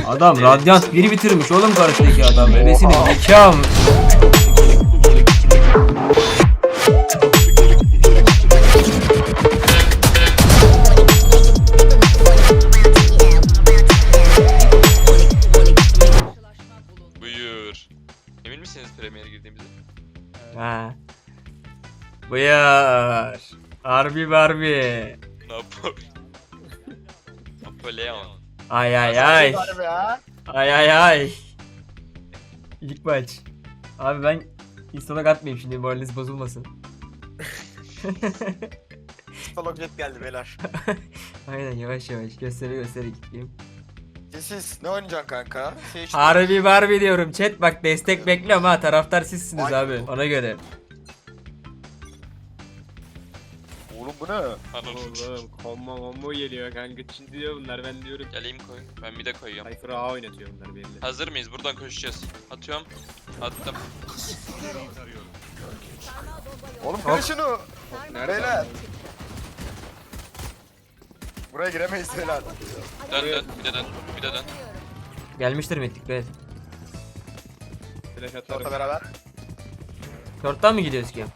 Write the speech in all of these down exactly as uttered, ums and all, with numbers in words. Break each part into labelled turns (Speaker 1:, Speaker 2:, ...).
Speaker 1: Adam Radyant biri bitirmiş oğlum karşıdaki adam. Bebesinin zekam.
Speaker 2: Buyur. Emin misiniz Premier'e girdiğimizi?
Speaker 1: Ha. Buyur. Harbi Barbie.
Speaker 2: Napoli. Napoleon.
Speaker 1: Ay ay ay. Ay ay ay. İlk maç. Abi ben install'a atmayayım şimdi, moraliniz bozulmasın.
Speaker 3: Stalog jet geldi beyler.
Speaker 1: Aynen, yavaş yavaş gösteri gösteri gideyim.
Speaker 3: Siz ne oynayacaksın kanka? Şey işte-
Speaker 1: Harbi Barbie diyorum chat, bak destek bekliyorum ha, taraftar sizsiniz
Speaker 3: Ay.
Speaker 1: abi, ona göre.
Speaker 3: Oğlum bu ne?
Speaker 4: Oğlum combo combo geliyor kanka, Çin diyor bunlar, ben diyorum.
Speaker 2: Geleyim koy. Ben bir de koyuyorum.
Speaker 4: Cypher A oynatıyor bunlar belli.
Speaker 2: Hazır mıyız? Buradan koşacağız. Atıyorum. Attım.
Speaker 3: Oğlum kırın şunu.
Speaker 4: Nerede?
Speaker 3: Beyler. Buraya giremeyiz beyler.
Speaker 2: Dön dön. Bir de dön. Bir de dön.
Speaker 1: Gelmiştir mittik be.
Speaker 4: Flash
Speaker 3: Orta
Speaker 4: atarım.
Speaker 3: beraber.
Speaker 1: Short'tan mı gidiyoruz ki?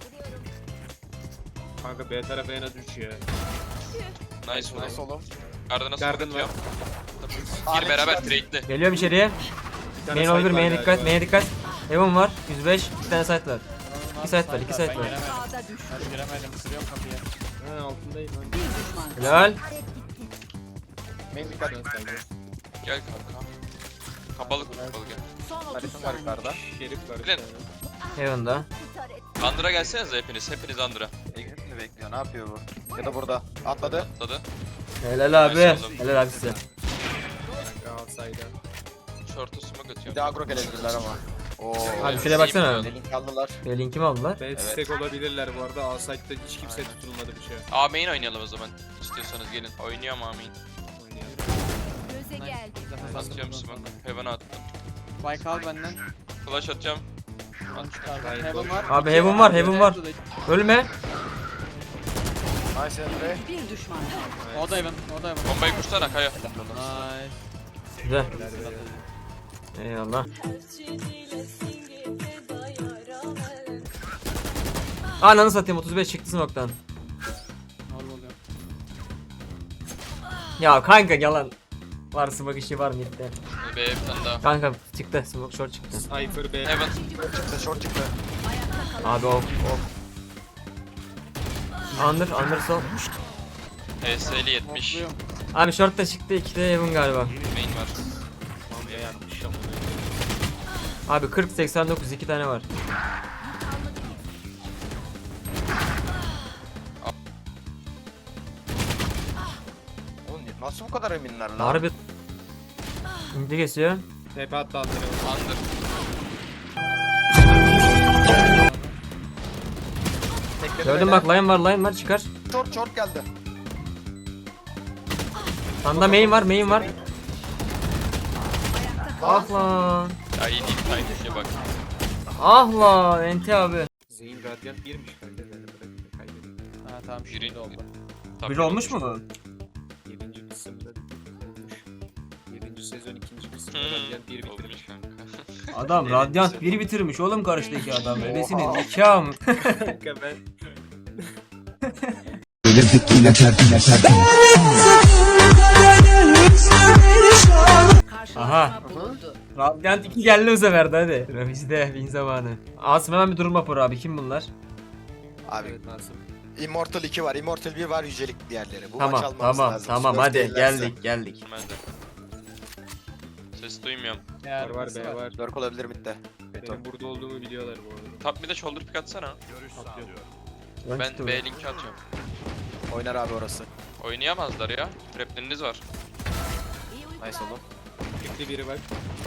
Speaker 4: Kanka B tarafı en az üç ya.
Speaker 2: Nice
Speaker 3: Nasıl
Speaker 2: oğlum.
Speaker 3: oğlum?
Speaker 2: Garda nasıl
Speaker 4: Garden
Speaker 2: atıyorum?
Speaker 3: Aa,
Speaker 2: Gir
Speaker 3: ne
Speaker 2: beraber
Speaker 3: çıkardı?
Speaker 2: trade'li.
Speaker 1: Geliyorum içeriye.
Speaker 4: Bir tane
Speaker 1: Main
Speaker 4: side
Speaker 1: olabilir,
Speaker 4: var
Speaker 1: main'e
Speaker 4: galiba.
Speaker 1: dikkat, main'e dikkat. Heaven var, yüz beş, iki tane site var. İki site var, iki site var.
Speaker 5: Ben giremedim, kırıyorum kapıyı.
Speaker 4: Ha altındayım lan.
Speaker 1: Helal.
Speaker 3: Main dikkat.
Speaker 2: Gel kanka. Kapalı kapalı gel.
Speaker 3: Haritim var yukarıda.
Speaker 4: Şerif var. bir
Speaker 2: Bilin.
Speaker 4: tane.
Speaker 1: Heaven'da.
Speaker 2: Andra gelsenize hepiniz. Hepiniz Andra.
Speaker 3: Exit mi bekliyor? Ne yapıyor bu? Ya da burada. Atladı.
Speaker 2: Atladı.
Speaker 1: Helal abi.
Speaker 2: Nice oğlum.
Speaker 1: Helal abi size.
Speaker 4: Kanka outside'a.
Speaker 2: Short'u smoke
Speaker 3: Bir
Speaker 2: atıyorum.
Speaker 3: de agro gelebilirler ama. Oo.
Speaker 1: Abi şuraya baksana.
Speaker 3: Link aldılar.
Speaker 1: E, linkimi aldılar.
Speaker 4: Ben stack olabilirler bu arada. Outside'da hiç kimse tutulmadı bir şey.
Speaker 2: A main oynayalım o zaman. İstiyorsanız gelin. Oynuyorum A main.
Speaker 4: Oynayalım.
Speaker 6: Göze geldi.
Speaker 2: Atıyorum smoke. Heaven'a attım.
Speaker 5: Spike al benden.
Speaker 2: Flash atacağım.
Speaker 5: Onu çıkardım.
Speaker 4: Hayır,
Speaker 5: Heaven var.
Speaker 1: Abi Heaven var, Heaven var. Ölme.
Speaker 3: Nice Emre.
Speaker 6: Bir düşman.
Speaker 5: O da Heaven. O da Heaven.
Speaker 2: Bombayı kursana Kaya.
Speaker 5: Nice.
Speaker 1: Güzel. Eyvallah. Ananı satayım, otuz beş çıktı smoke'tan.
Speaker 5: Ne oluyor?
Speaker 1: Ya kanka yalan. Var smoke işi var midde.
Speaker 2: B bir tane daha.
Speaker 1: Kanka çıktı, smoke short çıktı.
Speaker 4: Cypher B.
Speaker 2: Heaven.
Speaker 3: Çıktı short çıktı.
Speaker 1: Abi of of. Under, under sol.
Speaker 2: H S'li yetmiş.
Speaker 5: Topluyorum.
Speaker 1: Abi short da çıktı, iki de Heaven galiba.
Speaker 2: Main var.
Speaker 4: Mamiye yapmış.
Speaker 1: Abi kırk seksen dokuz, iki tane var.
Speaker 3: Oğlum nasıl bu kadar eminler lan?
Speaker 1: Harbi. İnce kesiyor.
Speaker 4: Tepe attı altına.
Speaker 2: Under.
Speaker 3: Tekledi
Speaker 1: Gördün
Speaker 3: beyler.
Speaker 1: bak, line var, line var, çıkar.
Speaker 3: Short short geldi.
Speaker 1: Sanda main var, main var. Ah lan.
Speaker 2: Ya iyi değil. Timing'e bak.
Speaker 1: Ah lan Enti abi.
Speaker 4: Zeyn Radiant birmiş kanka. Ben de bırakayım, kaybettim.
Speaker 5: Ha tamam şimdi
Speaker 2: Birin-
Speaker 5: oldu.
Speaker 2: Tabii
Speaker 1: Bir olmuş mu bu?
Speaker 4: Yedinci kısımda olmuş. Yedinci sezon ikinci kısımda
Speaker 2: Hmm.
Speaker 4: Radiant bir bitirmiş.
Speaker 2: Olmuş kanka.
Speaker 1: Adam Radyant biri bitirmiş oğlum karşıdaki adam. Bebesinin zekam.
Speaker 4: Kanka ben
Speaker 1: Aha. Radyant iki geldi bu sefer de hadi. Rafiz'de bin zamanı. Asım hemen bir durum raporu abi, kim bunlar?
Speaker 3: Abi
Speaker 4: evet Nasım.
Speaker 3: Immortal iki var, Immortal bir var, yücelik diğerleri. Bu maç
Speaker 1: Tamam
Speaker 3: almamız
Speaker 1: tamam
Speaker 3: lazım.
Speaker 1: tamam
Speaker 3: Spurs
Speaker 1: hadi
Speaker 3: değillerse.
Speaker 1: geldik geldik.
Speaker 2: Ben de. Ses duymuyorum.
Speaker 4: Var var B var.
Speaker 3: Lurk olabilir midde. Beto.
Speaker 4: Benim burada olduğumu biliyorlar bu arada.
Speaker 2: Top bir de shoulder pick atsana.
Speaker 4: Atlıyorum.
Speaker 1: Lan
Speaker 2: Ben
Speaker 1: çıktı
Speaker 2: B
Speaker 1: bu.
Speaker 2: linki atıyorum.
Speaker 3: Oynar abi orası.
Speaker 2: Oynayamazlar ya. Trapleriniz var.
Speaker 3: Nice oğlum.
Speaker 4: Tekli biri var.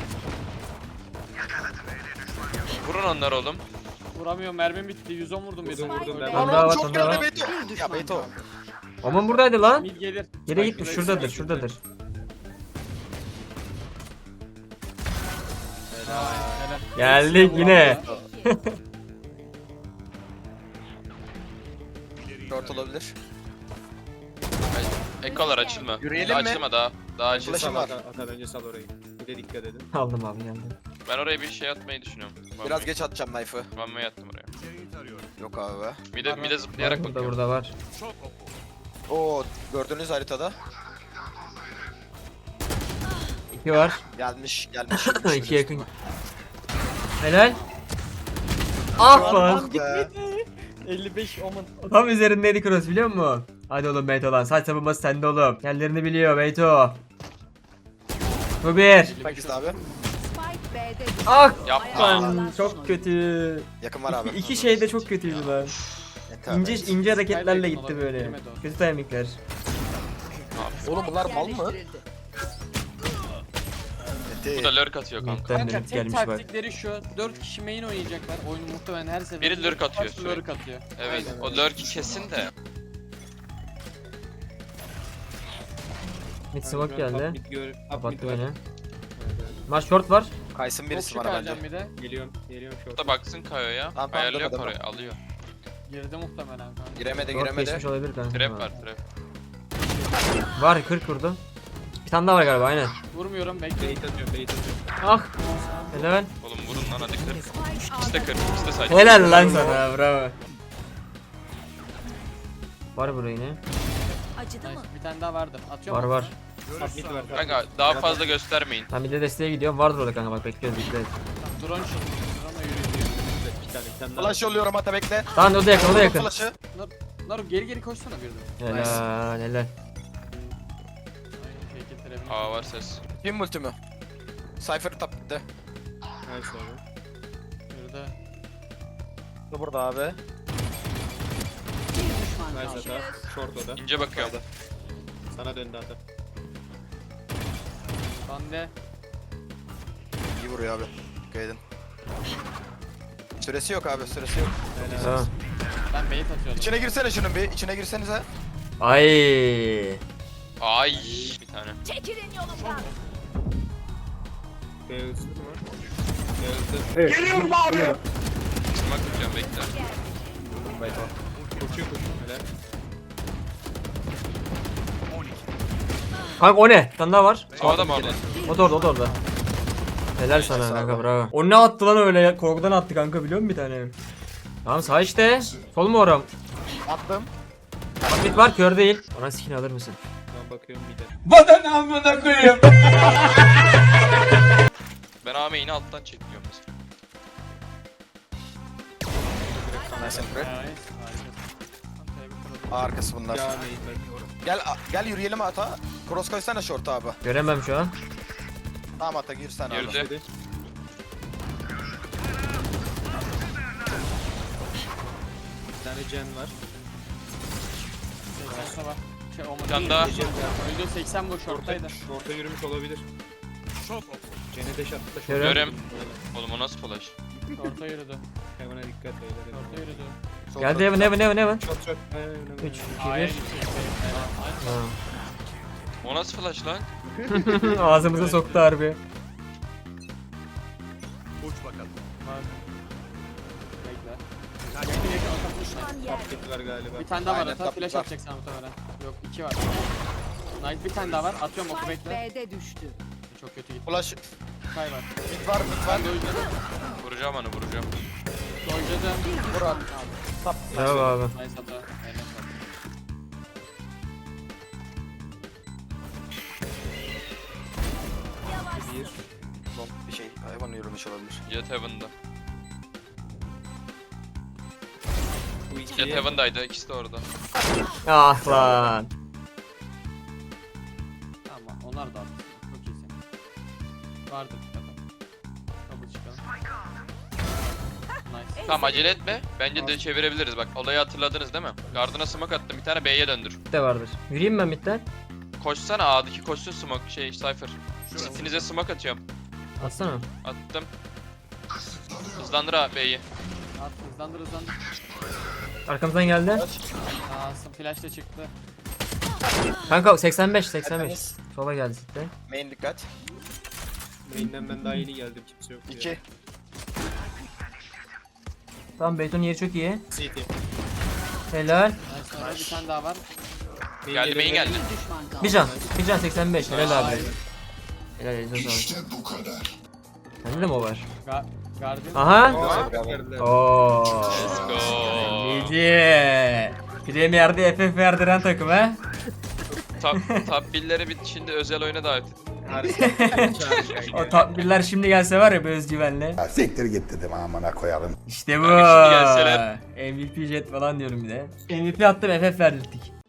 Speaker 2: Vurun onları oğlum.
Speaker 5: Vuramıyorum, mermim bitti. yüz on vurdum bir de.
Speaker 4: Vurdum, vurdum ben.
Speaker 1: Lan daha var,
Speaker 3: çok
Speaker 1: lan daha
Speaker 3: geldi
Speaker 1: var.
Speaker 3: Beto. Ya Beto.
Speaker 1: Oman buradaydı lan.
Speaker 5: Mid gelir.
Speaker 1: Yere gitmiş, şuradadır şuradadır.
Speaker 5: Helal.
Speaker 1: Geldik yine.
Speaker 3: Short olabilir.
Speaker 2: Ekolar açılma.
Speaker 3: Yürüyelim mi?
Speaker 2: Açılma daha. Daha acil.
Speaker 3: Flash'ım
Speaker 4: Sal
Speaker 3: var.
Speaker 4: Ata, Ata bence sal orayı. Bir de dikkat edin.
Speaker 1: Aldım abi geldim.
Speaker 2: Ben oraya bir şey atmayı düşünüyorum.
Speaker 3: Biraz geç atacağım knife'ı.
Speaker 2: Vanmayı attım oraya.
Speaker 3: Yok abi.
Speaker 2: Bir de, bir de zıplayarak
Speaker 1: Burada
Speaker 2: bakıyorum.
Speaker 1: burada var.
Speaker 3: Oo gördüğünüz haritada.
Speaker 1: İki var.
Speaker 3: Gelmiş gelmiş.
Speaker 1: İki yakın. Helal. Ah lan.
Speaker 3: Be.
Speaker 5: elli beş omen.
Speaker 1: Tam üzerindeydi cross biliyor musun? Hadi oğlum Beyto lan. Saç savunması sende oğlum. Yerlerini biliyor Beyto. Bu bir.
Speaker 3: Bak işte abi.
Speaker 6: Spike B'de düştü.
Speaker 1: Ah
Speaker 2: Yapma.
Speaker 1: lan çok kötü.
Speaker 3: Yakın var abi.
Speaker 1: İki, iki şey de çok kötüydü lan.
Speaker 3: Yeter.
Speaker 1: İnce ince hareketlerle
Speaker 5: Kaybettim
Speaker 1: gitti
Speaker 5: olabilir,
Speaker 1: böyle.
Speaker 5: girmedi o.
Speaker 1: Kötü timingler.
Speaker 3: Oğlum bunlar mal mı?
Speaker 6: Yerleştirildi.
Speaker 2: Bu da lurk atıyor kanka.
Speaker 1: Midden
Speaker 5: Kanka
Speaker 1: dönüp
Speaker 5: tek
Speaker 1: gelmiş bak.
Speaker 5: taktikleri şu. dört kişi main oynayacaklar. Oyunu muhtemelen her sefer.
Speaker 2: Biri lurk atıyor
Speaker 5: Lurk
Speaker 2: sürekli.
Speaker 5: atıyor.
Speaker 2: Evet,
Speaker 5: Aynen.
Speaker 2: o lurk'i kesin de.
Speaker 1: Mid smoke geldi.
Speaker 4: Mid gör. Up mid
Speaker 1: Kapattı
Speaker 4: var.
Speaker 1: beni.
Speaker 4: Evet, evet.
Speaker 1: Var short var.
Speaker 3: Kaysın birisi
Speaker 5: Çok
Speaker 3: var bence.
Speaker 5: çıkaracağım bir de.
Speaker 4: Geliyorum. Geliyorum
Speaker 2: Bu
Speaker 4: short.
Speaker 2: da baksın Kayo'ya.
Speaker 3: Tamam, tamam,
Speaker 2: Ayarlıyor
Speaker 3: deme, deme.
Speaker 2: oraya, alıyor.
Speaker 5: Girdi muhtemelen kanka.
Speaker 3: Giremedi
Speaker 1: Short
Speaker 3: giremedi.
Speaker 1: geçmiş olabilir kanka.
Speaker 2: Trap var, trap.
Speaker 1: Var kırk vurdu. Bir tane daha var galiba aynen.
Speaker 5: Vurmuyorum bekle.
Speaker 4: Bait atıyorum. Bait atıyorum.
Speaker 1: Ah. Helal.
Speaker 2: Oğlum vurun lan hadi kır.
Speaker 6: Spike
Speaker 2: İkisi de kır, ikisi de side.
Speaker 1: Helal lan sana bravo. Var burada yine.
Speaker 6: acıdı mı?
Speaker 5: Nice. Bir tane daha vardır. Atıyorum.
Speaker 1: Var var.
Speaker 4: Up mid var.
Speaker 2: Kanka daha fazla göstermeyin.
Speaker 1: Ben bir de desteğe gidiyorum. Vardır orada kanka bak bekliyoruz dikkat et.
Speaker 5: Drone çıktı. Drone'la yürüyor.
Speaker 4: Bir tane. Bir tane daha.
Speaker 3: Flash yolluyorum ata bekle.
Speaker 1: Tamam o da yakın o da yakın.
Speaker 3: Flash'ı.
Speaker 5: Naru geri geri koşsana bir de.
Speaker 1: Helal helal.
Speaker 5: Aynen fake it trap'ini.
Speaker 2: Aa var ses.
Speaker 3: Kim multi mi? Cypher tap gitti.
Speaker 4: Nice abi.
Speaker 5: Yürüdü.
Speaker 3: Bu burada abi.
Speaker 6: Bir düşman
Speaker 4: Nice
Speaker 6: kaldı.
Speaker 4: Ata. Short o da.
Speaker 2: İnce bakıyorum.
Speaker 4: Sana döndü Ata.
Speaker 5: Bande.
Speaker 3: İyi vuruyor abi. Dikkat edin. Süresi yok abi süresi yok.
Speaker 1: Tamam.
Speaker 5: Ben bait atıyordum.
Speaker 3: İçine girsene şunun bir. İçine girsenize.
Speaker 1: Ay.
Speaker 2: Ay bir tane.
Speaker 6: Çekilin yolumdan.
Speaker 4: B hızlı mı? B hızlı.
Speaker 2: Smoke tutuyorum bekle.
Speaker 4: Koşuyor koşuyor. Helal.
Speaker 1: Kanka o ne? Bir tane daha var.
Speaker 2: Havada mı orada?
Speaker 1: O da orada o da orada. Helal sana kanka bravo. O ne attı lan öyle ya? Korkudan attı kanka biliyor musun bir tane? Tamam sağ işte. Sol mu oram?
Speaker 3: Attım.
Speaker 1: Mid var kör değil. Ona skin alır mısın?
Speaker 4: Ben bakıyorum bir de.
Speaker 2: Ben A main'i alttan çekiyorum mesela.
Speaker 3: Nice and great.
Speaker 5: Nice. Harika.
Speaker 3: Aa, arkası bunlar.
Speaker 4: Ya neyin ben.
Speaker 3: Gel a- gel yürüyelim ata. Cross koysana short abi.
Speaker 1: Göremem şu an.
Speaker 3: Tamam ata gir sen abi.
Speaker 2: Girdi.
Speaker 4: Hadi. Bir tane Jen var.
Speaker 5: seksen var. Şey olmadı.
Speaker 2: Bir tane daha.
Speaker 4: Jen var.
Speaker 5: Öldü seksen bu shorttaydı.
Speaker 4: Short'a yürümüş olabilir. Jen'e deş attı da short.
Speaker 1: Görüyorum.
Speaker 2: Görem. Oğlum o nasıl flash?
Speaker 5: Short'a yürüdü.
Speaker 4: Hemen dikkat beyler.
Speaker 5: Short'a yürüdü.
Speaker 1: Geldi Evan Evan Evan Evan.
Speaker 4: Short short. Aynen öyle.
Speaker 1: üç, iki,
Speaker 5: A'ya
Speaker 1: bir.
Speaker 5: gitti. Aynen.
Speaker 1: Ha.
Speaker 2: O nasıl flash lan?
Speaker 1: Ağzımıza soktu harbi.
Speaker 5: Var. Bekle. Yakın yakın atmış.
Speaker 6: Düşman yer.
Speaker 4: Update var galiba.
Speaker 5: Bir tane daha var.
Speaker 3: Aynen,
Speaker 5: Ata
Speaker 3: tap-
Speaker 5: flash
Speaker 3: tap.
Speaker 5: atacak sana muhtemelen. Yok iki var. Nice bir tane daha var. Atıyorum oku
Speaker 6: Spike
Speaker 5: bekle.
Speaker 6: B'de düştü.
Speaker 5: Çok kötü gitti.
Speaker 3: Flash.
Speaker 5: Kay var.
Speaker 3: Mid var mid var.
Speaker 5: Ben de oynadım.
Speaker 2: Vuracağım onu vuracağım.
Speaker 5: Oynadım.
Speaker 3: Vur at. Tap.
Speaker 1: Bravo abi.
Speaker 5: Nice hata. Aynen hata.
Speaker 4: Bir.
Speaker 3: Long bir şey. Hayvan yürümüş olabilir.
Speaker 2: Jet Heaven'da.
Speaker 4: Bu iki.
Speaker 2: Jet Heaven'daydı ikisi de orada.
Speaker 1: Ah lan.
Speaker 5: Tamam onlar da attı. Çok iyisin. Vardı bir tane. Kabul çıkalım. Nice.
Speaker 2: Tamam acele etme. Bence de çevirebiliriz. Bak olayı hatırladınız değil mi? Gardına smoke attım. Bir tane B'ye döndür.
Speaker 1: De vardır. Yürüyeyim ben midden.
Speaker 2: Koşsana A'daki koşsun smoke şey Cypher. Sitinize smoke atıyorum.
Speaker 1: Atsana.
Speaker 2: Attım. Hızlandır ha B'yi.
Speaker 5: At hızlandır hızlandır.
Speaker 1: Arkamızdan geldi.
Speaker 5: Aa flash da çıktı.
Speaker 1: Kanka seksen beş seksen beş. Sola geldi sitten.
Speaker 3: Main dikkat.
Speaker 4: Main'den ben daha yeni geldim. Kimse yok.
Speaker 3: iki.
Speaker 1: Tamam Beyton'un yeri çok iyi.
Speaker 4: C T.
Speaker 1: Helal.
Speaker 5: Nice sonra bir tane daha var.
Speaker 2: Geldi main geldi.
Speaker 6: Bir düşman kaldı.
Speaker 1: Bir can. Bir can seksen beş. Helal abi. Helal elinize sağlık.
Speaker 7: İşte bu kadar.
Speaker 1: Sende de mi o var?
Speaker 5: Ga Guardian.
Speaker 1: Aha.
Speaker 3: Aa,
Speaker 1: Ooo.
Speaker 2: Let's go.
Speaker 1: Gece. Premier'de F F verdiren takım ha.
Speaker 2: Top, top billere bir şimdi özel oyuna davet et.
Speaker 1: O top birler şimdi gelse var ya bir özgüvenle.
Speaker 7: Ya siktir git dedim amına koyalım.
Speaker 1: İşte bu.
Speaker 2: Abi şimdi gelseler.
Speaker 1: M V P jet falan diyorum bir de. M V P attım F F verdirttik.